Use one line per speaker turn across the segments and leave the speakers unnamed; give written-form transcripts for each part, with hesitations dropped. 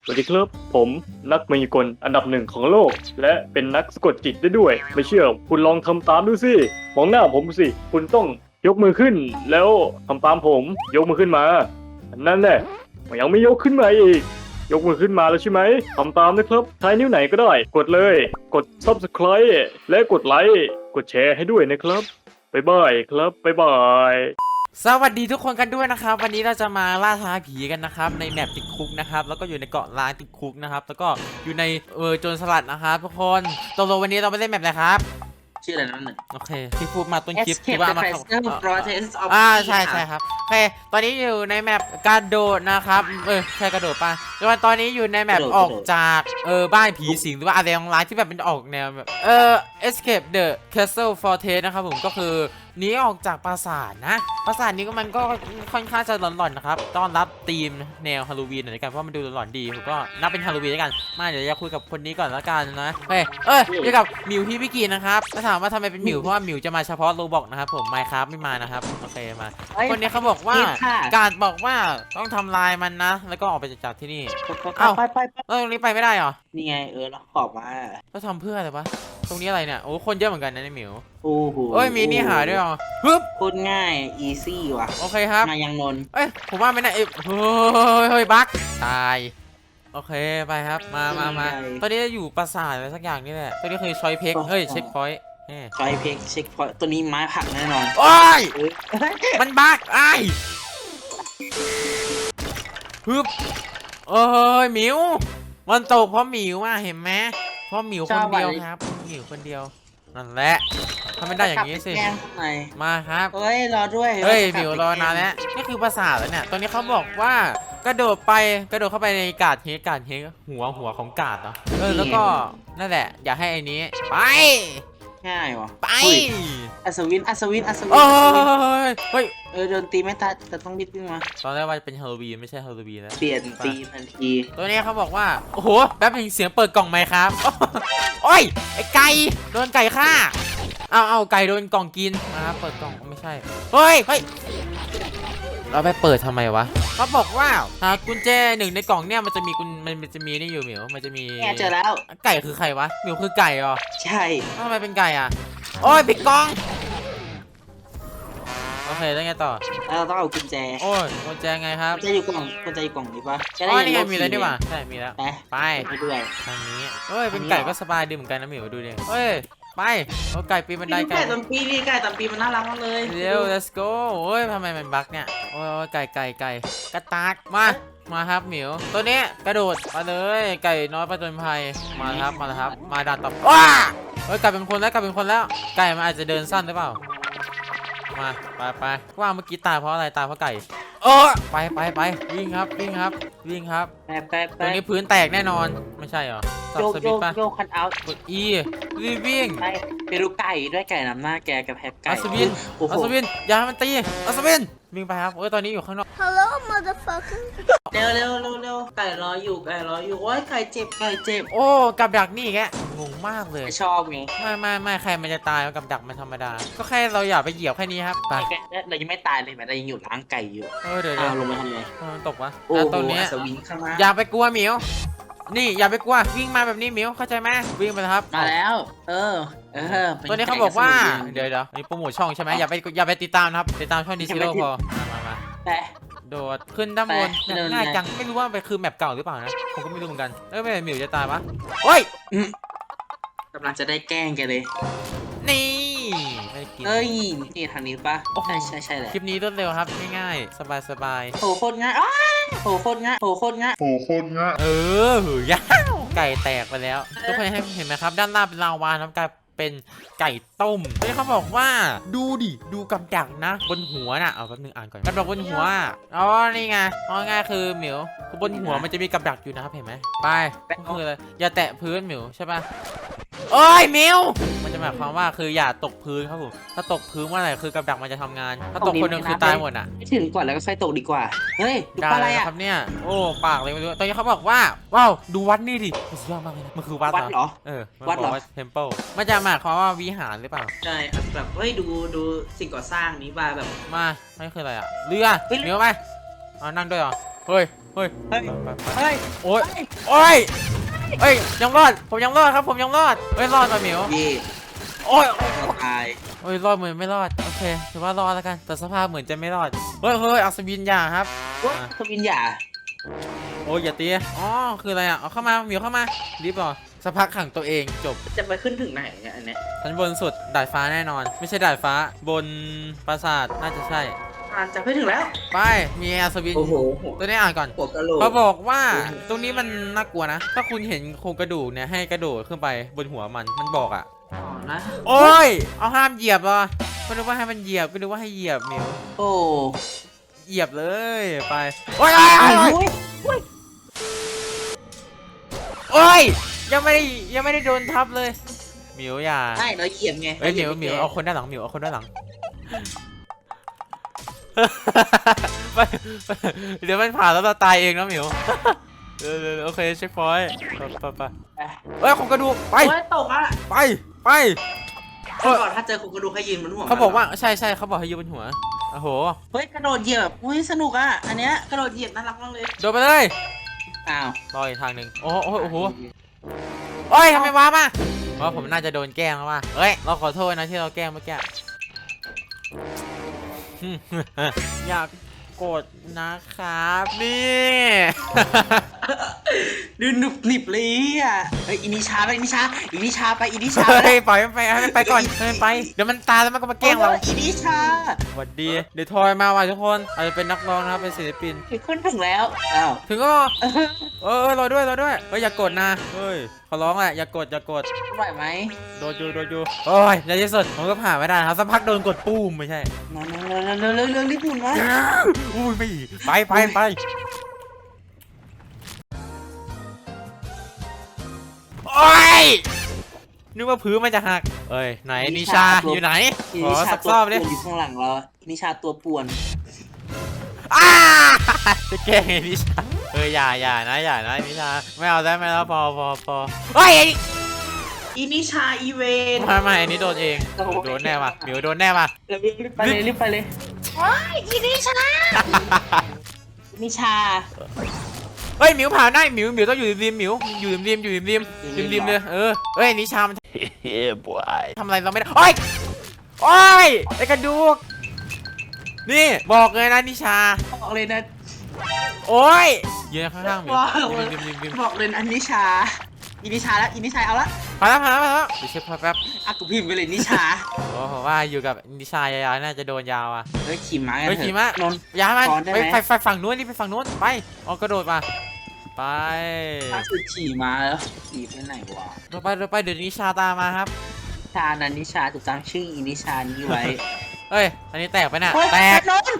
สวัสดีครับผมนักมายากลอันดับหนึ่งของโลก และเป็นนักสะกดจิตได้ด้วย ไม่เชื่อคุณลองทำตามดูสิมองหน้าผมสิคุณต้องยกมือขึ้น แล้วทำตามผมยกมือขึ้นมานั่นแหละยังไม่ยกขึ้นมาอีกยกมือขึ้นมาแล้วใช่ไหมทำตามนะครับใช้นิ้วไหนก็ได้กดเลยกด Subscribe และกดไลค์กดแชร์ให้ด้วยนะครับบ๊ายบายครับบ๊ายบาย
สวัสดีทุกคนกันด้วยนะครับวันนี้เราจะมาล่าท้าผีกันนะครับในแมปติดคุกนะครับแล้วก็อยู่ในเกาะล้างติดคุกนะครับแล้วก็อยู่ในโจรสลัดนะครับทุกคนตกลงวันนี้เราไม่เล่นแมปอะไรครับ
ชื่ออะไรนั่นหนึ่ง
โอเคที่พูดมาต้นคลิป
Escape
ที่ว่า
the
มา
Prisoner Process of
ใช่ครับโอเคตอนนี้อยู่ในแมปกระโดดนะครับใช่กระโดดป่ะแล้วตอนนี้อยู่ในแมปออกจากบ้านผีสิงหรือว่าอะไรร้ายที่แบบเป็นออกแนวแบบEscape the Castle Fortress นะครับผมก็คือหนีออกจากปราสาทนะปราสาทนี้ก็มันก็ค่อนข้างจะหลอนๆนะครับต้อนรับธีมแนวฮาโลวีนหน่อยกันเพราะมันดูหลอนๆดีผมก็นับเป็นฮาโลวีนแล้วกันมาเดี๋ยวจะคุยกับคนนี้ก่อนแล้วกันนะอยู่กับหมิวพี่กีนะครับถ้าถามว่าทำไมเป็นหมิวเพราะว่าหมิวจะมาเฉพาะโรบอกนะครับผมไมค์ครับไม่มานะครับโอเคมาคนนี้เขาบอกว่าการบอกว่าต้องทำลายมันนะแล้วก็ออกไปจากที่นี่
ไป
ตรงนี้ไปไม่ได้หรอ
นี่ไงเราขอบมา
ก็ทำเพื่ออะไรวะตรงนี้อะไรเนี่ยโอ้คนเยอะเหมือนกันนะในหมิว
โอ้โห
มีนี่หาด้วยเหรอฮึบ
พูดง่ายอีซี่ว่ะ
โอเคครับ
มายังนน
ผมว่าไม่น่าเฮ้ยบั๊กตายโอเคไปครับมาตอนนี้อยู่ปราสาทอะไรสักอย่างนี่แหละตอนนี้คือชอยเพ็กเช็คพอยต์
ชอยเพ็กเช็คพอยต์ตัวนี้ไม้ผักแน่นอน
โอ้ยมันบั๊กฮึบหมิวมันตกเพราะหมิวเห็นไหมเพราะหมิวคนเดียวครับหมิวคนเดียวนั่นแหละทำไม่ได้อย่างนี้สิมาครับ
รอด้วย
หมิวรอนานแล้วนี่คือภาษาแล้วเนี่ยตอนนี้เขาบอกว่ากระโดดเข้าไปในกาดเฮหัวของกาดเนาะแล้วก็นั่นแหละอย่าให้ไอ้นี้ไป
ง่ายว่ะ
ไป
อัศวิน
เฮ้ย
โดนตีไม่ตายแต่ต้องบิดขึ้นมา
ตอนแรกว่าเป็นฮาโลวีนไม่ใช่ฮาโลวีนแล้ว
เปลี่ยนตีทันที
ตัวนี้เขาบอกว่าโอ้โหแป๊บนึงเสียงเปิดกล่องไหมครับโอ้ยไอ้ไก่โดนไก่ฆ่าเอาไก่โดนกล่องกินนะครับเปิดกล่องไม่ใช่เฮ้ยเราไปเปิดทำไมวะเขาบอกว่ากุญแจหนึ่งในกล่องเนี่ยมันจะมีนี่อยู่หมิวมันจะมี
เจอแล้ว
ไก่คือใครวะหมิวคือไก่เหรอ
ใช่
ทำไมเป็นไก่โอ้ยปิดกล่องโอเคแล้วไงต่อ
เราต้องเอากุญแจ
กุญแจไงครับ
กุญแจอยู่กล่องนี้ปะ
นี่ไงมีแล้วนี่หว่าใช่มีแล้วไป
ด้วย
ทางนี้เป็นไก่ก็สบายดีเหมือนกันนะหมิวดูดิไปไก่ปีนบันได
ไก่ตำปีนี่ไก่ตำปีมันน่ารักมากเลย
เร็ว let's go ทำไมมันบั๊กเนี่ยไก่กระตากมาครับหมิวตัวนี้กระโดดมาเลยไก่น้อยประจนภัยมาครับมาดันต่อไก่เป็นคนแล้วไก่มันอาจจะเดินสั้นหรือเปล่ามาไปว่าเมื่อกี้ตายเพราะอะไรตายเพราะไก่ไปวิ่งครับตรงนี้พื้นแตกแน่นอนไม่ใช่เหรอ
โยคันเอา
กด E วิ่ง
ไปดูไก่ด้วยไก่นำหน้าแกกับแพบไก่
อัศวินอย่าให้มันตีอัศวินวิ่งไปครับตอนนี้อยู่ข้างนอก
Hello motherfucker
เร็วไก่รออยู่โอ้ยไก่เจ็บ
กับดักนี่แกงงมากเลย
ชอบไง
ไม่ใครมันจะตายกับดักมันธรรมดาก็แค่เราอย่าไปเหยียบแค่นี้ครับไป
เรายังไม่ตายเลยแม้เรายังอยู่ล้างไก่อยู่
เดี๋ยว
ลงมาทำไง
ตกวะ
ตรงนี้
อย่าไปกลัวหมิวนี่อย่าไปกลัววิ่งมาแบบนี้หมิวเข้าใจไหมวิ่งไปครับ
มาแล้ว
ตัวนี้เขาบอกว่าเดี๋ยวนี่โปรโมทช่องใช่ไหมอย่าไปติดตามนะครับติดตามช่องดีซิโร่พอมาโดดขึ้นด้านบนง่ายจังไม่รู้ว่าไปคือแมปเก่าหรือเปล่านะผมก็ไม่รู้เหมือนกันไม่หมิวจะตายปะ
กำลังจะได้แกล้งแกเลย
นี่
นี่ทางนี้ปะใช่เลย
คลิปนี้รวดเร็วครับง่ายๆสบาย
โหโคตรง่าย
ยาวไก่แตกไปแล้วทุกคนเห็นไหมครับด้านล่างเป็นลาวาน้ำกลายเป็นไก่ต้มที่เขาบอกว่าดูกับดักนะบนหัวน่ะเอาแป๊บนึงอ่านก่อนกับดักบนหัวนี่ไงง่ายคือหมิวบนหัวมันจะมีกับดักอยู่นะครับเห็นไหมไปก็คืออะไรอย่าแตะพื้นหมิวใช่ปะมิวมันจะหมายความว่าคืออย่าตกพื้นครับผมถ้าตกพื้นเมื่อไหร่คือกับดักมันจะทำงานถ้าตกคนหนึ่งคือตายหมด
ไม่ถึงก่อนแล้วก็ค่อยตกดีกว่า
ได้อะไรครับเนี่ยปากเลยไม่รู้ตอนนี้เขาบอกว่าว้าวดูวัดนี่ดิสุดยอดมากเลยมันคือวัด
เหรอ
วัดเหรอเทมเพิลมันจะหมายความว่าวิหารหรือเปล่า
ใช่แบบดูสิ่งก่อสร้างนี้แบบ
ไม่คืออะไรเรือไปนั่งด้วยเหรอเฮ้ยโอ๊ยโอ้ยเอ้ยยังรอดผมยังรอดครับผมยังรอดเฮ้ยรอดมาหมิว
เย่
โอ้ย
เราตาย
โอ้ยรอดเหมือนไม่รอดโอเคถือว่ารอดแล้วกันแต่สภาพเหมือนจะไม่รอดเฮ้ยเฮ้ยอัศวินอย่าครับ
ว่าทวินหย่า
โอ้ยอย่าตีอ๋อคืออะไรอ่ะเอาเข้ามาหมิวเข้ามารีบเหรอสักพักขังตัวเองจบ
จะไปขึ้นถึงไหนเนี่ยอันเนี้ย
ชั้นบนสุดดาดฟ้าแน่นอน ไม่ใช่ดาดฟ้าบนปราสาทน่าจะใช่
จะไปถึงแล้ว
ไปมีอัศวิน
โอ้โห
ตัวนี้อ่านก่อน
หัวกะโหลก
เขาบอกว่าตรงนี้มันน่ากลัวนะ ถ้าคุณเห็นโครงกระดูกเนี่ยให้กระโดดขึ้นไปบนหัวมันบอกอ่ะ
อ๋อนะ
โอ้ยเอาห้ามเหยียบเหรอไม่รู้ว่าให้มันเหยียบไม่รู้ว่าให้เหยียบหมิว
โอ้
เหยียบเลยไปโอ้ยโอ้ย
โอ้ย
โอ้ยยังไม่ได้โดนทับเลยหมิวอย่า
ใช่เราเหยียบไง
เอ้ยหมิวเอาคนด้านหลังหมิวเอาคนด้านหลัง ไปเดี๋ยวมันผ่านแล้วเราตายเองนะหมิวเดี๋ยวโอเคเช็คพอยต์ไปเอ้ยของกระดูกไป
โอ้ยตกอ่ะ
ไป
ก่อนถ้าเจอคุณกระดูกให้ยืนบนหัว
เขาบอกว่าใช่เขาบอกให้ยืนบนหัวโอ้โห
เฮ้ยกระโดดเหยียบอุ้ยสนุกอ่ะอันเนี้ยกระโดดเหยียบน่ารักมากเลย
โดนไปเลย
อ้าว
รออีกทางหนึ่งโอ้โหโอ้ยทำไมว้ามาว่าผมน่าจะโดนแกล้งแล้วว่ะเฮ้ยเราขอโทษนะที่เราแกล้งเมื่อกี้ อยากกดนะครับนี่
ดูหนุบหนิบเลยอ่ะเฮ้ยอินิชาไปอินิชาไป
เฮ้ยปล่อยมันไปให้มันไปก่อนให้มันไปเดี๋ยวมันตายแล้วมันก็มาแกล้งเรา
อินิชา
สวัสดีเดี๋ยวทอยมาว่ะทุกคนอาจจะเป็นนักร้องนะครับเป็นศิลปิน
ขึ้นถึงแล้วอ้าว
ถึงก็รอด้วยเฮ้ยอย่ากดนะเฮ้ยขอร้องแหละอย่ากด
ไหวไหม
โดนอยู่โอ้ยในที่สุดผมก็ผ่านไม่ได้ครับสักพักโดนกดปุ้มไม่ใช่
มาเร็วรีบหมุนมา
อุ้ยไม่ไปโอ้ยนึกว่าพื้นมันจะหักเอ้ยไหนนิชาอยู่ไหน
อิ
ข
นิ
อ
ชา
สัก
ตัว
รอบ
ป่
ดิ
วนอยู่ข้างหลังเราอินิชาตัวป่วน
อ้าจะแกล้งไอ้นิชาอย่านะนิชาไม่เอาได้ไหมแล้วพอเฮ้ย
อินิชาอีเวน
ไม่อันนี้โดนเองโดนแน่ว่ะหมิวโดนแน่ว่ะ
รีบไปเลยว้ายอินิชา
เฮ้ยหมิวผ่านได้หมิวต้องอยู่ริมหมิวอยู่ริมเลยเฮ้ยนิชามันทำอะไรเราไม่ได้โอ้ยไอ้กระดูกนี่บอกเลยนะนิชา
บอกเลยนะ
โอ้ยยืนข้างๆหมิวริม
บอกเลยอันนิชาอินิชาเอาละ
ผ่านแล้วเดี๋ยวเช็คแป๊บ
อ่ะกูพิมพ์ไปเลยนิชา
โอ้ผมว่าอยู่กับนิชายาวๆน่าจะโดนยาวอ่ะ
เฮ้ยขี่ม้า
เฮ้ยขี่ม้าน
นท์
ยาวมัน
ซ้อนได้ไหม
ไปฝั่งนู้นนี่ไปฝั่งนู้นไปอ๋อกระโดดมาไป
ถ้าคือขี่ม้าแล้วขี่ไปไหนวะ
เราไปเดี๋ยวนิชาตามมาครับ
ชานันนิชาถูกตั้งชื่ออินิชานี้ไว้
เฮ้ยอันนี้แตกไปน่ะ
เฮ้ย
แตก
นอน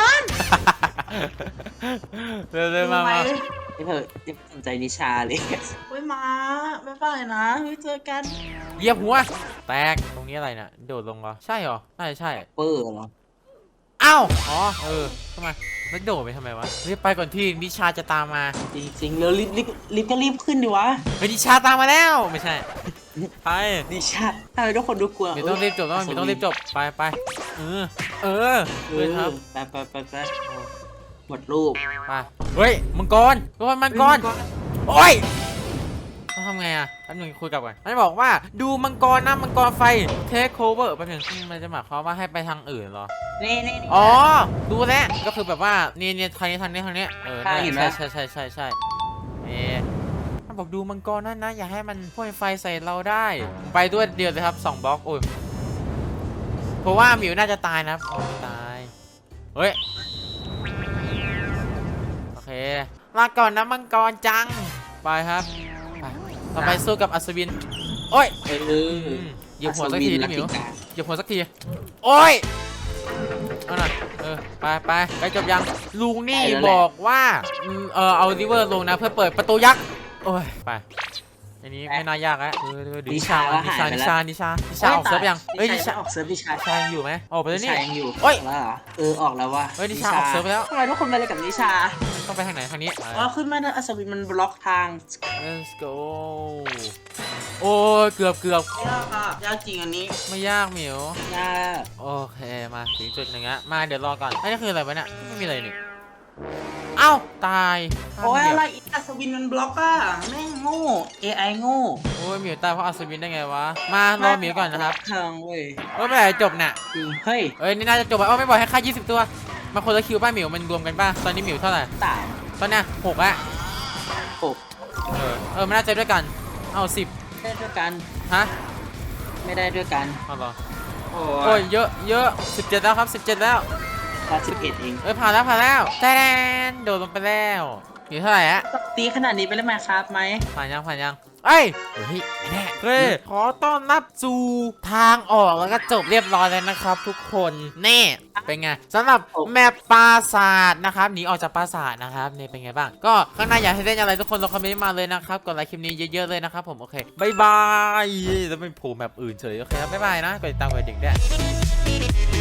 เร็วมา
ไม่เพิ่งสนใจนิชาเลยเฮ้ยมาบ๊ายบายนะไว้เจอกัน
เหยียบหัวแตกตรงนี้อะไรน่ะโดดลงเหรอใช่เหรอน่าจะใช่
เปอร์เหรอ
อ้าวอ๋อทำไมแล้วโดดไปทำไมวะรีบไปก่อนที่นิชาจะตามมา
จริงๆแล้วรีบก็รีบขึ้นดิวะ
เฮ้ยนิชาตามมาแล้วไม่ใช่ไป
นิชาทำไมทุกคนดูกลัว
เดี๋ยวต้องรีบจบต้องรีบจบไปครับ
ไปหมดรูป
ไปเฮ้ยมังกรโอ้ยต้องทำไงอ่ะแป๊บนึงคุยกับก่อนมันบอกว่าดูมังกรนะมังกรไฟเทคโคเวอร์แป๊บนึงมันจะหมายความว่าให้ไปทางอื่นเหรอ
นี่
อ๋อดูแล้วก็คือแบบว่านี่ทางนี้ใช่มันบอกดูมังกรนั่นนะอย่าให้มันพ่นไฟใส่เราได้ไปด้วยเดียวเลยครับ2บล็อกโอ้ยเพราะว่าหมิวน่าจะตายนะตายเฮ้ยโอเคลาก่อนนะมังกรจังไปครับต่อไปสู้กับอัศวินโอ้ยเหยียบหัวสักทีนะหมิวเหยียบหัวสักทีโอ้ยเอาหน่อยไปจบยังลุงนี่บอกว่าเอาริเวอร์ลงนะเพื่อเปิดประตูยักษ์โอ้ยไปอันนี้ไม่น่ายากแล้วนิชาออกเซิร์ฟยังเฮ้ยนิชา
ออกเซิร์ฟนิชา
อยู่ไหมออกไปแล้วนี่
ยังอยู่
เฮ้ย
แล้วเหรอออกแล้วว่ะ
เฮ้ยนิชาออกเซิร์ฟไปแล้ว
ทำไมทุกคนไปเลยกับนิชา
ต้องไปทางไหนทางนี้
ขึ้นมาอัศวินมันบล็อกทาง
let's go โอ้ยเกือบ
ยากจริงอันนี้
ไม่ยากหมิวย
าก
โอเคมาถึงจุดหนึ่งอะมาเดี๋ยวรอก่อนนี่คืออะไรวะเนี่ยไม่มีอะไรนี่เอ้าตาย
โอ้ยอะไรอีกอัศวินมันบล็อกอะแม่งโง่ AI โง่
โอ้ยหมิวตายเพราะอัศวินได้ไงวะมารอหมิวก่อนนะครับ
ทางเว้ย
เมื่อไหร่จบน่ะ
จริงเฮ้ย
เอ้ยนี่น่าจะจบแล้วไม่บอกให้ค่า20ตัวมาคนละคิวป้าหมิวมันรวมกันป่ะตอนนี้หมิวเท่าไหร่
ตาย
ตอนเนี้ย6ละ
ปลุก
มันน่าจะด้วยกันเอา10
ได้ด้วยกัน
ฮะ
ไม่ได้ด้วยกัน
เอาเหรอ
โอ้
โอ้ยเยอะ17แล้วครับ17แล้ว
ตา11เอง
ผ่านแล้วแตนโดดลงไปแล้วอยู่เท่าไหร่ฮะ
ตีขนาดนี้ไปเล่นมาครับไหม
ผ่านยังเอ้ยแน่เฮ้ยขอต้อนรับสู่ทางออกแล้วก็จบเรียบร้อยแล้วนะครับทุกคนแน่เป็นไงสำหรับแมปปราสาทนะครับหนีออกจากปราสาทนะครับนี่เป็นไงบ้างก็ข้างในอยากให้เล่นอะไรทุกคนลองคอมเมนต์มาเลยนะครับกดไลค์คลิปนี้เยอะๆเลยนะครับผมโอเคบายบายแล้วไม่โผล่แมปอื่นเฉยโอเคครับบ๊ายบายนะกดติดตามกดกระดิ่งด้วย